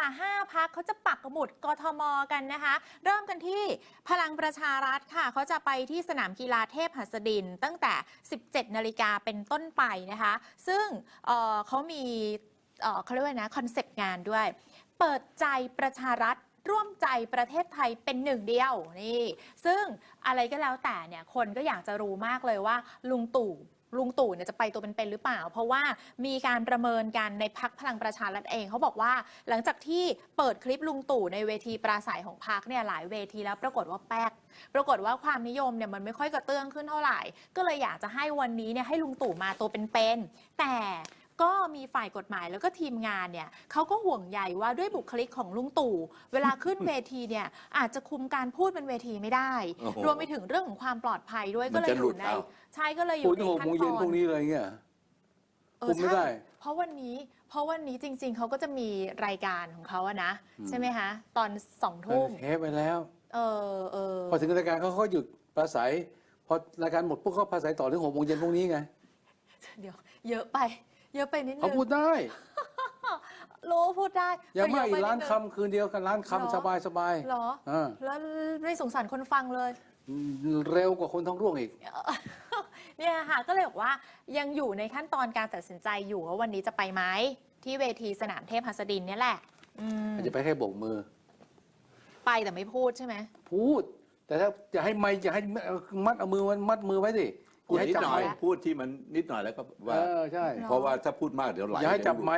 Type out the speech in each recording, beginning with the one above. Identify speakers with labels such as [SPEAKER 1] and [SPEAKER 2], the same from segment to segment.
[SPEAKER 1] 5 พรรคเขาจะปักหมุดกทมกันนะคะ เริ่มกันที่พลังประชารัฐค่ะเขาจะไปที่สนามกีฬาเทพหัสดินตั้งแต่ 17 นาฬิกาเป็นต้นไปนะคะ ซึ่งเขามีเขาเรียกว่านะคอนเซปต์งานด้วย เปิดใจประชารัฐร่วมใจประเทศไทยเป็นหนึ่งเดียวนี่ซึ่งอะไรก็แล้วแต่เนี่ยคนก็อยากจะรู้มากเลยว่าลุงตู่เนี่ยจะไปตัวเป็นๆหรือเปล่าเพราะว่ามีการประเมินกันในพรรคพลังประชารัฐเองเขาบอกว่าหลังจากที่เปิดคลิปลุงตู่ในเวทีปราศัยของพรรคเนี่ยหลายเวทีแล้วปรากฏว่าปรากฏว่าความนิยมเนี่ยมันไม่ค่อยกระเตื้องขึ้นเท่าไหร่ก็เลยอยากจะให้วันนี้เนี่ยให้ลุงตู่มาตัวเป็นๆแต่ก็มีฝ่ายกฎหมายแล้วก็ทีมงานเนี่ยเขาก็ห่วงใยว่าด้วยบุคลิกของลุงตู่เวลาขึ้นเวทีเนี่ยอาจจะคุมการพูดบนเวทีไม่ได้รวมไปถึงเรื่องของความปลอดภัยด้วยก็เลยอยู่ในใช่ก็เลยอยู่ในขั้นตอน
[SPEAKER 2] พวกนี้เลยเงี้ยคุมไม่ได้
[SPEAKER 1] เพราะวันนี้จริงๆเขาก็จะมีรายการของเขาอะนะใช่ไหมคะตอน2 ทุ่ม
[SPEAKER 2] เทปไปแล้วพอถึงรายการเขาหยุดปราศัยพอรายการหมดพวกเขาปราศัยต่อถึง6 โมงเย็นพวกนี้ไง
[SPEAKER 1] เดี๋ยวเยอะไปนิดนึง
[SPEAKER 2] เขาพูดได้
[SPEAKER 1] รู้พูดได้
[SPEAKER 2] อย่ามาอีกล้านคำคืนเดียวกันล้านคำสบาย
[SPEAKER 1] เหรอแล้วไม่สงสารคนฟังเลย
[SPEAKER 2] เร็วกว่าคนท้องร่วงอีก
[SPEAKER 1] เนี่ยค่ะก็เลยบอกว่ายังอยู่ในขั้นตอนการตัดสินใจอยู่ว่าวันนี้จะไปไหมที่เวทีสนามเทพหัสดินเนี่ยแหละ
[SPEAKER 2] จะไปแค่โบกมือ
[SPEAKER 1] ไปแต่ไม่พูดใช่ไหม
[SPEAKER 2] พูดแต่ถ้าจะให้ไม่จะให้มัดเอามือมัดมือไว้สิ
[SPEAKER 3] พูดนิดหน่อยพูดที่มันนิดหน่อยแล้วก็ว่า
[SPEAKER 2] ใช่
[SPEAKER 3] เพราะว่าถ้าพูดมากเดี๋ยวไหล
[SPEAKER 2] อย่าให้จับไม้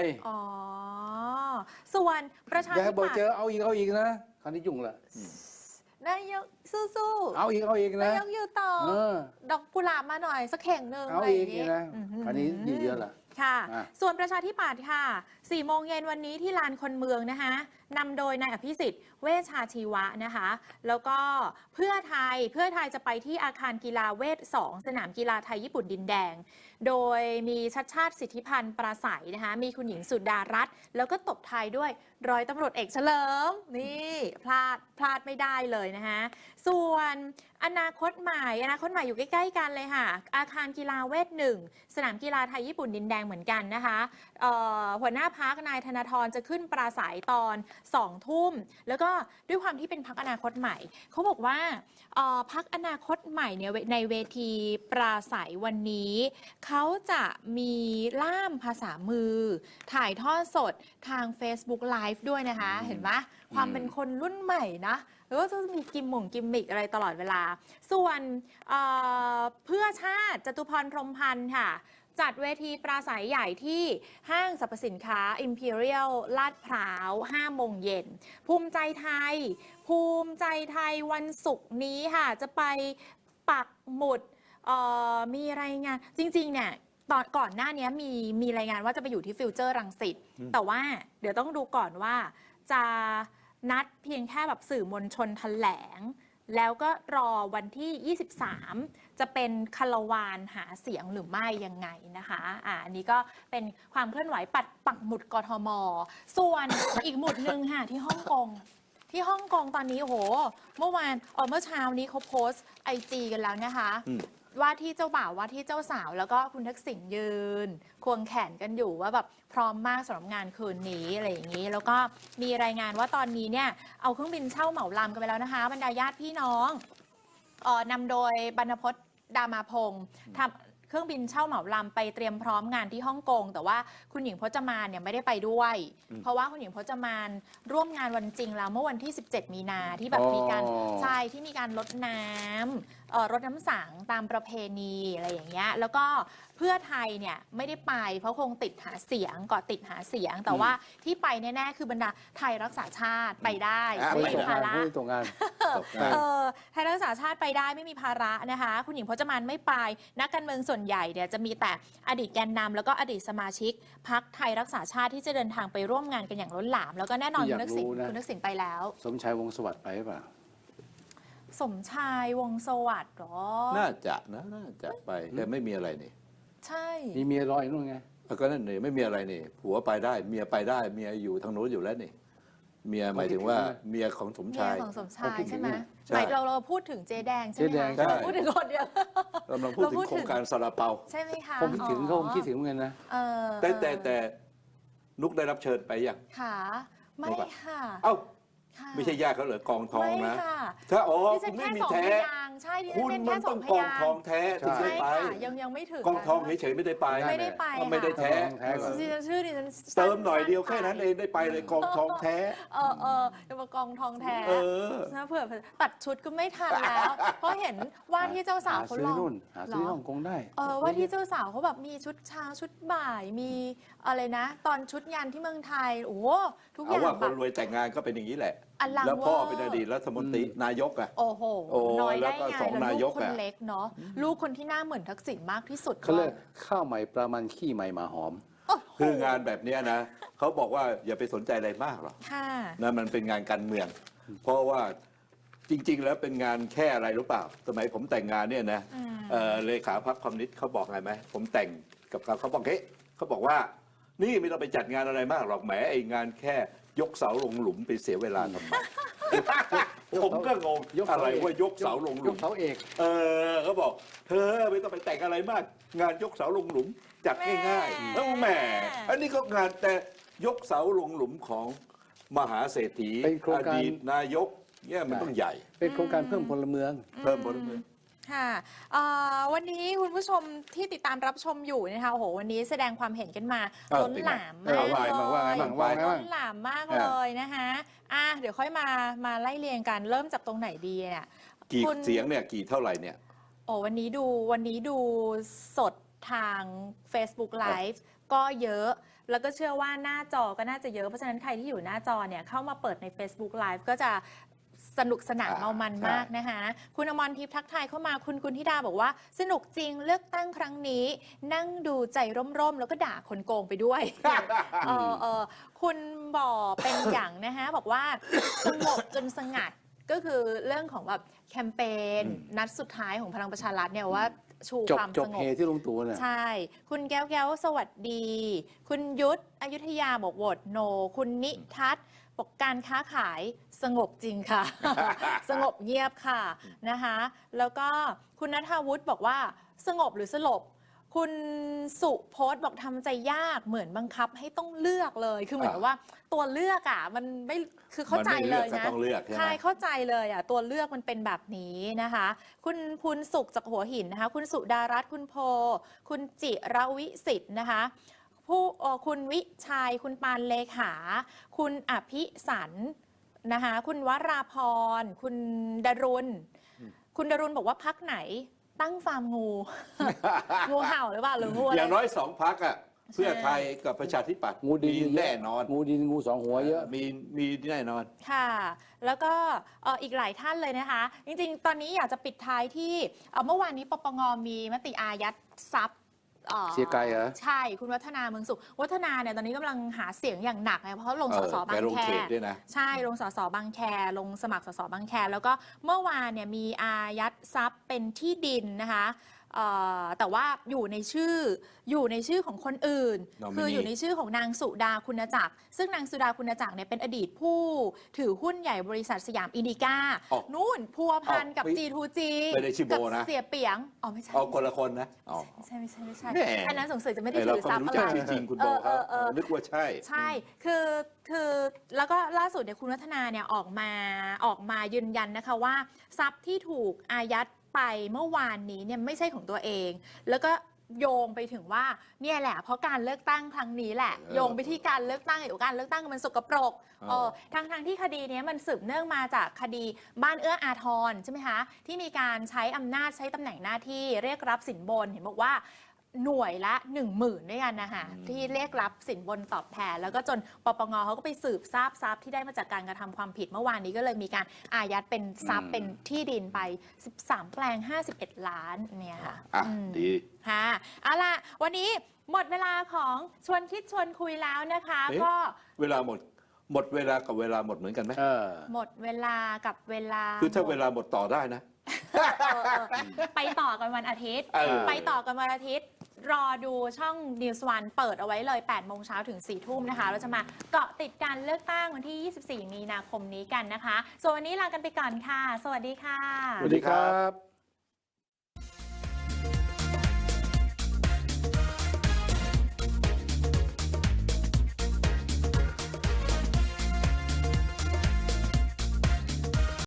[SPEAKER 1] ส่วนประชาธิปัตย์
[SPEAKER 2] อย่าบอกเจอเอาอีกนะคราวนี้ยุ่งละ
[SPEAKER 1] นายกสู้
[SPEAKER 2] ๆเอาอีกนะ
[SPEAKER 1] นายกอยู่ต่อดอกกุหลาบมาหน่อยสักเข่งหนึ่ง
[SPEAKER 2] เอาอีกนะคราวนี้เยอะละ
[SPEAKER 1] ค่ะส่วนประชาธิปัตย์ค่ะ 4 โมงเย็นวันนี้ที่ลานคนเมืองนะคะนำโดยนายอภิสิทธิ์เวชชาชีวะนะคะแล้วก็เพื่อไทยจะไปที่อาคารกีฬาเวท 2 สนามกีฬาไทยญี่ปุ่นดินแดงโดยมีชัดชาติสิทธิพันธ์ปราศัยนะคะมีคุณหญิงสุดารัตน์แล้วก็ตบท้ายด้วยร้อยตำรวจเอกเฉลิมนี่พลาดไม่ได้เลยนะคะส่วนอนาคตใหม่อยู่ใกล้ๆกันเลยค่ะอาคารกีฬาเวท 1 สนามกีฬาไทยญี่ปุ่นดินแดงเหมือนกันนะคะหัวหน้าพรรคนายธนาธรจะขึ้นปราศัยตอน2 ทุ่มแล้วก็ด้วยความที่เป็นพรรคอนาคตใหม่เขาบอกว่าพรรคอนาคตใหม่เนี่ยในเวทีปราศัยวันนี้เขาจะมีล่ามภาษามือถ่ายทอดสดทาง Facebook Live ด้วยนะคะเห็นไหมความเป็นคนรุ่นใหม่นะแล้วก็จะมีกิมมิกอะไรตลอดเวลาส่วนเพื่อชาติจตุพรพรหมพันธ์ค่ะจัดเวทีปราศัยใหญ่ที่ห้างสรรพสินค้า Imperial ลาดพร้าว 5 โมงเย็นภูมิใจไทยวันศุกร์นี้ค่ะจะไปปักหมุดมีรายงานจริงๆเนี่ยก่อนหน้านี้มีรายงานว่าจะไปอยู่ที่ฟิวเจอร์รังสิตแต่ว่าเดี๋ยวต้องดูก่อนว่าจะนัดเพียงแค่แบบสื่อมวลชนแถลงแล้วก็รอวันที่ 23 จะเป็นคารวานหาเสียงหรือไม่ยังไงนะคะอันนี้ก็เป็นความเคลื่อนไหวปักหมุดกทมส่วน อีกหมุดหนึ่งค่ะที่ฮ่องกงตอนนี้โอ้โหเมื่อเช้านี้เขาโพสต์ IG กันแล้วนะคะว่าที่เจ้าบ่าวว่าที่เจ้าสาวแล้วก็คุณทักษิณยืนควงแขนกันอยู่ว่าแบบพร้อมมากสำหรับงานคืนนี้อะไรอย่างนี้แล้วก็มีรายงานว่าตอนนี้เนี่ยเอาเครื่องบินเช่าเหมาลำกันไปแล้วนะคะบรรดาญาติพี่น้องนำโดยบรรพตดามาพงศ์ทำเครื่องบินเช่าเหมาลำไปเตรียมพร้อมงานที่ฮ่องกงแต่ว่าคุณหญิงพจมานเนี่ยไม่ได้ไปด้วยเพราะว่าคุณหญิงพจมานร่วมงานวันจริงแล้วเมื่อวันที่17 มีนาที่แบบมีการที่มีการรดน้ำสังตามประเพณีอะไรอย่างเงี้ยแล้วก็เพื่อไทยเนี่ยไม่ได้ไปเพราะคงติดหาเสียงแต่ว่าที่ไปแน่ๆคือบรรดาไทยรักษาชาติไปได้ไม่มีภาระ
[SPEAKER 2] ตรงงาน
[SPEAKER 1] ไทยรักษาชาติไปได้ไม่มีภาระนะคะคุณหญิงพจมานไม่ไปนักการเมืองส่วนใหญ่เนี่ยจะมีแต่อดีตแกนนำแล้วก็อดีตสมาชิกพรรคไทยรักษาชาติที่จะเดินทางไปร่วมงานกันอย่างล้นหลามแล้วก็แน่นอนคุณทักษิณไปแล้ว
[SPEAKER 2] สมชายวงศ์สวัสดิ์ไปหรือเปล่า
[SPEAKER 1] สมชายวงศ์สวัสดิ์หรอ
[SPEAKER 3] น่าจะไปแต่ไม่มีอะไรนี่
[SPEAKER 1] ใช่
[SPEAKER 2] มีเมียรออยู่นู่นไง
[SPEAKER 3] ก็นั่นนี่ไม่มีอะไรนี่ผัวไปได้เมียไปได้เมียอยู่ทางโน้นอยู่แล้วนี่เมียหมายถึงว่าเมียของสมชาย
[SPEAKER 1] ใช่ไหมหมายเราพูดถึงเจ๊แดงใช่ไหมคะพูดถึงคนเดียว
[SPEAKER 3] กำลังพูดถึงโครงการซาลาเปา
[SPEAKER 1] ใช่ไหมคะ
[SPEAKER 2] ผมคิดถึงเหมือนกันนะ
[SPEAKER 3] แต่นุกได้รับเชิญไปยัง
[SPEAKER 1] ค่ะไม่
[SPEAKER 3] รู้ปะ
[SPEAKER 1] ค่ะ
[SPEAKER 3] เอ้า
[SPEAKER 1] ค่ะ
[SPEAKER 3] ไม่ใช่ญาติเขาเหรอกองทอง
[SPEAKER 1] ไม่
[SPEAKER 3] นะ
[SPEAKER 1] ค่ะ
[SPEAKER 3] ถ้าอ๋อ
[SPEAKER 1] ดิฉั
[SPEAKER 3] คุ
[SPEAKER 1] น
[SPEAKER 3] ณไม่
[SPEAKER 1] แค่
[SPEAKER 3] มี
[SPEAKER 1] สอง
[SPEAKER 3] แท้
[SPEAKER 1] พยางค์ใช่ดิฉั
[SPEAKER 3] คุ
[SPEAKER 1] น
[SPEAKER 3] ณ
[SPEAKER 1] เป็น
[SPEAKER 3] มั
[SPEAKER 1] แค่
[SPEAKER 3] น
[SPEAKER 1] ส
[SPEAKER 3] ต้
[SPEAKER 1] อ
[SPEAKER 3] อง ง
[SPEAKER 1] พ
[SPEAKER 3] กอง
[SPEAKER 1] ยาง
[SPEAKER 3] ทอง
[SPEAKER 1] ค์
[SPEAKER 3] แท้ถึง
[SPEAKER 1] ใช่
[SPEAKER 3] ได้ไป
[SPEAKER 1] ค่ะยังไม่ถึง
[SPEAKER 3] กองทองเฉยๆไม่ได้ไป
[SPEAKER 2] ไม่ได้
[SPEAKER 1] ไป
[SPEAKER 3] ก็ไม่ได้
[SPEAKER 1] ค่ะ
[SPEAKER 3] แท้
[SPEAKER 2] แท้ก่อน
[SPEAKER 1] ดิฉันชื่อดิฉัน
[SPEAKER 3] เติมหน่อยเดียว
[SPEAKER 1] สั้
[SPEAKER 3] แค่
[SPEAKER 1] ๆ
[SPEAKER 3] นั้นเองได้ไปเลยกองทองแท้
[SPEAKER 1] จะมากองทองแท้
[SPEAKER 3] เออ
[SPEAKER 1] นะเผื่อตัดชุดก็ไม่ทันแล้ว เพราะเห็นว่าที่เจ้าสาวเขา
[SPEAKER 2] ซื้
[SPEAKER 1] ล
[SPEAKER 2] อ
[SPEAKER 1] อง
[SPEAKER 2] นู่นหาซื้อ
[SPEAKER 1] เหร
[SPEAKER 2] ฮ่องกงได้
[SPEAKER 1] ว่าที่เจ้าสาวเขาแบบมีชุดเช้าชุดบ่าย มีอะไรนะ ตอนชุดยันที่เมืองไทย โอ้โหทุกอ
[SPEAKER 3] เอา
[SPEAKER 1] ย่าง
[SPEAKER 3] ว่าค
[SPEAKER 1] แบ
[SPEAKER 3] น
[SPEAKER 1] บ
[SPEAKER 3] รวยแต่งงานก็เป็นอย่างนี้แหละ
[SPEAKER 1] อลัง
[SPEAKER 3] แล้วพ่อ
[SPEAKER 1] เวอร์
[SPEAKER 3] เป็นอดีตรัฐมนตรีนายกอ่ะ
[SPEAKER 1] โอ้โห
[SPEAKER 3] โอ้
[SPEAKER 1] น้อย
[SPEAKER 3] แล้ว
[SPEAKER 1] ได้
[SPEAKER 3] ก็
[SPEAKER 1] ไง
[SPEAKER 3] สอง
[SPEAKER 1] แล้ว
[SPEAKER 3] นา
[SPEAKER 1] ลู
[SPEAKER 3] ย
[SPEAKER 1] ก
[SPEAKER 3] ก
[SPEAKER 1] คน
[SPEAKER 3] อะ
[SPEAKER 1] เล็กเนาะลูกคนที่หน้าเหมือนทักษิณมากที่สุด
[SPEAKER 2] เขาเรียก
[SPEAKER 1] ก็
[SPEAKER 2] ข้าวใหม่ปลามันขี้ใหม่หมาหอม
[SPEAKER 1] โอ้โห
[SPEAKER 3] คืองานแบบเนี้ยนะเขาบอกว่าอย่าไปสนใจอะไรมากหรอก
[SPEAKER 1] ค่ะ
[SPEAKER 3] นะมันเป็นงานการเมือง เพราะว่าจริง ๆ แล้วเป็นงานแค่อะไรรู้เปล่า สมัยผมแต่งงานเนี่ยนะเลขาพรรคคอมมิวนิสต์เขาบอกไงไหมผมแต่งกับเขาบอกเฮ้ยเขาบอกว่านี่ไม่ต้องไปจัดงานอะไรมากหรอกแหมไอ้งานแค่ยกเสาลงหลุมไปเสียเวลาทำไม ผมก็งง
[SPEAKER 2] ยกเสา
[SPEAKER 3] อะไร
[SPEAKER 2] เอก
[SPEAKER 3] ว่ายกเสาลงห
[SPEAKER 2] ย
[SPEAKER 3] ลุ
[SPEAKER 2] ก
[SPEAKER 3] ม
[SPEAKER 2] เสาเอก
[SPEAKER 3] เขาบอกเธอไม่ต้องไปแต่งอะไรมาก งานยกเสาลงหลุมจัดง่ายๆแล้วแหมอันนี้ก็งานแต่ยกเสาลงหลุมของมหาเศรษฐี
[SPEAKER 2] เป็นโครง
[SPEAKER 3] อ
[SPEAKER 2] การ
[SPEAKER 3] ดีตนายกเนี่ยมันต้องใหญ่
[SPEAKER 2] เป็นโครงการเพิ่มพลเมือง
[SPEAKER 3] เพิ่มพลเมือง
[SPEAKER 1] ค่ะวันนี้คุณผู้ชมที่ติดตามรับชมอยู่นะคะโอ้โหวันนี้แสดงความเห็นกันมา
[SPEAKER 3] เออ
[SPEAKER 1] ล้นหลาม
[SPEAKER 2] เป็น
[SPEAKER 1] มาก
[SPEAKER 2] ไง
[SPEAKER 1] เลย
[SPEAKER 2] ว่าไงบ้างว่าไงบ้าง
[SPEAKER 1] ล้นหลามมากเลยนะคะเดี๋ยวค่อยมาไล่เรียงกันเริ่มจากตรงไหนดีเนี่ย
[SPEAKER 3] กี่
[SPEAKER 1] คุณ
[SPEAKER 3] เสียงเนี่ยกี่เท่าไหร่เนี่ย
[SPEAKER 1] โอ้วันนี้ดูสดทาง Facebook Live ก็เยอะ แล้วก็เชื่อว่าหน้าจอก็น่าจะเยอะ เพราะฉะนั้นใครที่อยู่หน้าจอเนี่ยเข้ามาเปิดใน Facebook Live ก็จะสนุกสนานเมามันมากนะคะ คุณอมรทิพย์ทักทายเข้ามาคุณธิดาบอกว่า สนุกจริงเลือกตั้งครั้งนี้ นั่งดูใจร่มๆ แล้วก็ด่าคนโกงไปด้วย คุณบ่อเป็นอย่างนะคะบอกว่าสงบจนสงัดก็คือเรื่องของแบบแคมเปญนัดสุดท้ายของพลังประชารัฐเนี่ยว่าชู
[SPEAKER 2] จบ
[SPEAKER 1] ความ
[SPEAKER 2] จ
[SPEAKER 1] ส
[SPEAKER 2] บ
[SPEAKER 1] ง
[SPEAKER 2] เฮ
[SPEAKER 1] บ
[SPEAKER 2] ที่ลุงตู่เนี่ย
[SPEAKER 1] ใช่ คุณแก้วสวัสดี คุณยุทธอยุธยาบอกโหวตโน คุณนิทัศน์บอกการค้าขายสงบจริงค่ะ สงบเงียบค่ะนะคะ แล้วก็คุณณัฐวุฒิบอกว่าสงบหรือสลบ คุณสุโพสต์บอกทำใจยากเหมือนบังคับให้ต้องเลือกเลย คือเหมือนกับว่าตัวเลือกมันไม่คือเข้าใจเลย
[SPEAKER 3] มันไม่เลือกก็
[SPEAKER 1] นะ
[SPEAKER 3] ต้องเลือกใช่ไหม
[SPEAKER 1] ใช่เข้าใจเลยตัวเลือกมันเป็นแบบนี้นะคะ คุณพูนสุขจากหัวหินนะคะ คุณสุดารัตน์คุณโพ คุณจิรวิสิทธิ์นะคะคุณวิชัย คุณปานเลขา คุณอภิสันนะคะ คุณวราพร คุณดรุณ คุณดรุณบอกว่าพักไหนตั้งฟาร์มงู งูเห่าหรือเปล่าหรืองูอะไร
[SPEAKER 3] อย่างน้อยสองพักอ่ะเพื่อไทยกับประชาธิปัตย์
[SPEAKER 2] งูดิน
[SPEAKER 3] มีแน่นอน
[SPEAKER 2] งูดินงูสองหัวเยอะ
[SPEAKER 3] มีแน่นอน
[SPEAKER 1] ค่ะ แล้วก็อีกหลายท่านเลยนะคะ จริงๆ ตอนนี้อยากจะปิดท้ายที่เมื่อวานนี้ปปงมีมติอายัดทรัพย์
[SPEAKER 2] เสียไกลเหรอ
[SPEAKER 1] ใช่ คุณวัฒนาเมืองสุข วัฒนาเนี่ยตอนนี้กำลังหาเสียงอย่างหนักนะเพราะลงสสบาง
[SPEAKER 3] แกลง
[SPEAKER 1] แค
[SPEAKER 3] เขตด้วยนะ
[SPEAKER 1] ใช่ ลงสสบางแค ลงสมัครสสบางแค แล้วก็เมื่อวานเนี่ยมีอายัดทรัพย์เป็นที่ดินนะคะแต่ว่าอยู่ในชื่อของคนอื่น
[SPEAKER 3] Nominee
[SPEAKER 1] คืออยู่ในชื่อของนางสุดาคุณจักร ซึ่งนางสุดาคุณจักรเนี่ยเป็นอดีตผู้ถือหุ้นใหญ่บริษัทสยามอินดิก้า
[SPEAKER 3] อ๋อ
[SPEAKER 1] นู่นพัวพันกับ
[SPEAKER 3] อ๋อ
[SPEAKER 1] G2G
[SPEAKER 3] ไม่ได้ชื่อโบ
[SPEAKER 1] กั
[SPEAKER 3] นะ
[SPEAKER 1] เสียเปียงไม่ใช่
[SPEAKER 3] เอาคนละคนนะอ๋อ
[SPEAKER 1] ไม่ใช่
[SPEAKER 3] แหม
[SPEAKER 1] อันนั้นสงสัยจะไม่ได้
[SPEAKER 3] ไอ้เรา
[SPEAKER 1] ถือ
[SPEAKER 3] ก็
[SPEAKER 1] ทรั
[SPEAKER 3] ไม่
[SPEAKER 1] พย์
[SPEAKER 3] รู้
[SPEAKER 1] อะ
[SPEAKER 3] จัก
[SPEAKER 1] ไร
[SPEAKER 3] ชื่อจริงคุณโบเขานึกว่าใช่
[SPEAKER 1] ใช่ คือแล้วก็ล่าสุดเนี่ยคุณวัฒนาเนี่ยออกมายืนยันนะคะว่าทรัพย์ที่ถูกอายัดไปเมื่อวานนี้เนี่ยไม่ใช่ของตัวเอง แล้วก็โยงไปถึงว่าเนี่ยแหละเพราะการเลือกตั้งครั้งนี้แหละ โยงไปที่การเลือกตั้งอยู่การเลือกตั้งมันสกปรกทั้งที่คดีนี้มันสืบเนื่องมาจากคดีบ้านเอื้ออาทรใช่ไหมคะที่มีการใช้อำนาจใช้ตำแหน่งหน้าที่เรียกรับสินบนเห็นบอกว่าหน่วยละ 10,000 ด้วยกันนะคะที่เรียกรับสินบนตอบแทนแล้วก็จนปปงเขาก็ไปสืบทราบทรัพย์ที่ได้มาจากการกระทำความผิดเมื่อวานนี้ก็เลยมีการอายัดเป็นทรัพย์เป็นที่ดินไป13แปลง51 ล้านเนี่ยค่ะ
[SPEAKER 3] ดี
[SPEAKER 1] ค่ะเอาล่ะวันนี้หมดเวลาของชวนคิดชวนคุยแล้วนะคะ
[SPEAKER 3] เอ๊ะ
[SPEAKER 1] ก็
[SPEAKER 3] เวลาหมดเวลากับเวลาหมดเหมือนกันไหม
[SPEAKER 1] หมดเวลากับเวลา
[SPEAKER 3] คือถ้าเวลาหมดต่อได้นะ
[SPEAKER 1] ไปต่อกันวันอาทิตย์ ไปต่อกันวันอาทิตย์ รอดูช่อง News One เปิดเอาไว้เลย8 โมงเช้าถึง 4 ทุ่มนะคะ เราจะมาเกาะติดการเลือกตั้งวันที่ 24 มีนาคมนี้กันนะคะ ส่วนวันนี้ลากันไปก่อนค่ะ สวัสดีค่ะ
[SPEAKER 2] สวัสดีครับ